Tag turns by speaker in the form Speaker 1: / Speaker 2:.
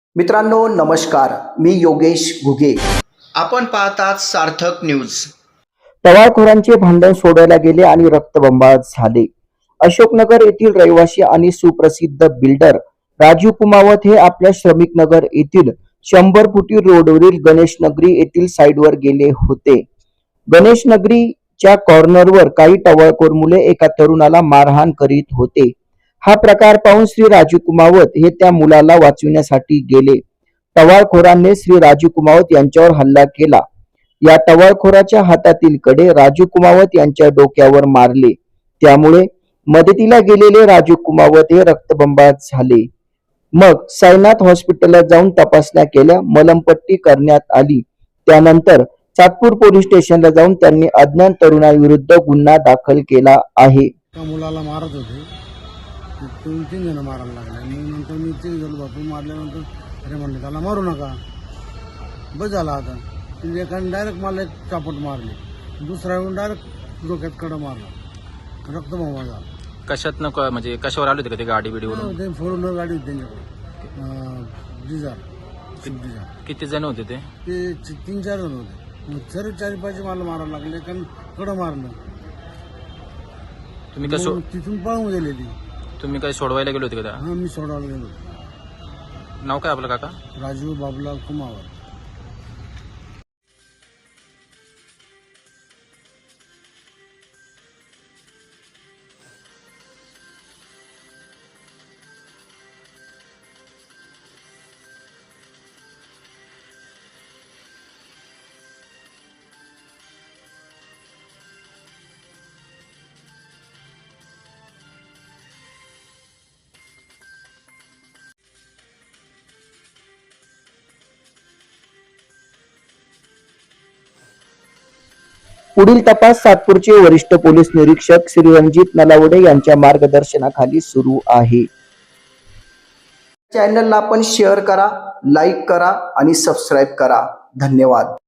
Speaker 1: मित्रांनो नमस्कार, मी योगेश घुगे. आपण पाहतात सार्थक न्यूज. टवाळखोरांचे भांडण सोडवले गेले आणि रक्तबंबाळ झाले. अशोकनगर येथील रहिवासी आणि सुप्रसिद्ध बिल्डर राजू कुमावत हे आपल्या श्रमिक नगर येथील 100 फुटी रोडवरील गणेश नगरी येथील साइडवर गेले होते. गणेश नगरीच्या कॉर्नरवर काही टवाळखोर मुले एका तरुणाला मारहाण करीत होते. हा प्रकार पाहून श्री राजू कुमावत हे त्या मुलाला वाचविण्यासाठी गेले. टवाळखोरांनी श्री राजू कुमावत यांच्यावर हल्ला केला. या टवाळखोराच्या हातातील कडे राजू कुमावत यांच्या डोक्यावर मारले. त्यामुळे मदतीला गेलेले राजू कुमावत हे रक्तबंबाळ झाले. मग साईनाथ हॉस्पिटलला जाऊन तपासण्या केल्या, मलमपट्टी करण्यात आली. त्यानंतर चातपूर पोलीस स्टेशनला जाऊन त्यांनी अज्ञात तरुणाविरुद्ध गुन्हा दाखल केला आहे.
Speaker 2: मुलाला मारत होते, 2-3 जण मारायला लागले. नंतर मी ते गेलो, बापू मारल्यानंतर अरे म्हणले त्याला मारू नका, बस झाला. आता तिने एकाने डायरेक्ट मला एक चापट मारले, दुसरा येऊन डायरेक्ट डोक्यात कडा मारला, रक्तबंबाळ झाला.
Speaker 3: कशात नको म्हणजे कशावर आले होते का ते गाडी बिडीवरून?
Speaker 2: ते 4 व्हीलर गाडी होती त्यांच्याकडे, डिझार.
Speaker 3: किती जण होते ते?
Speaker 2: ते 3-4 जण होते. सर 4-5 मला मारायला लागले, कारण कडं मारलं.
Speaker 3: तुम्ही कसं
Speaker 2: तिथून पळून गेले ती.
Speaker 3: तुम्ही काय सोडवायला गेले होते का?
Speaker 2: हा, मी सोडवायला गेलो.
Speaker 3: नाव काय आपलं काका?
Speaker 2: राजू बाबूलाल कुमावत.
Speaker 1: पुढील तपास सातपूरचे वरिष्ठ पोलीस निरीक्षक श्री रणजित नलावडे यांच्या मार्गदर्शनाखाली सुरू आहे. चॅनलला आपण शेअर करा, लाईक करा आणि सबस्क्राईब करा. धन्यवाद.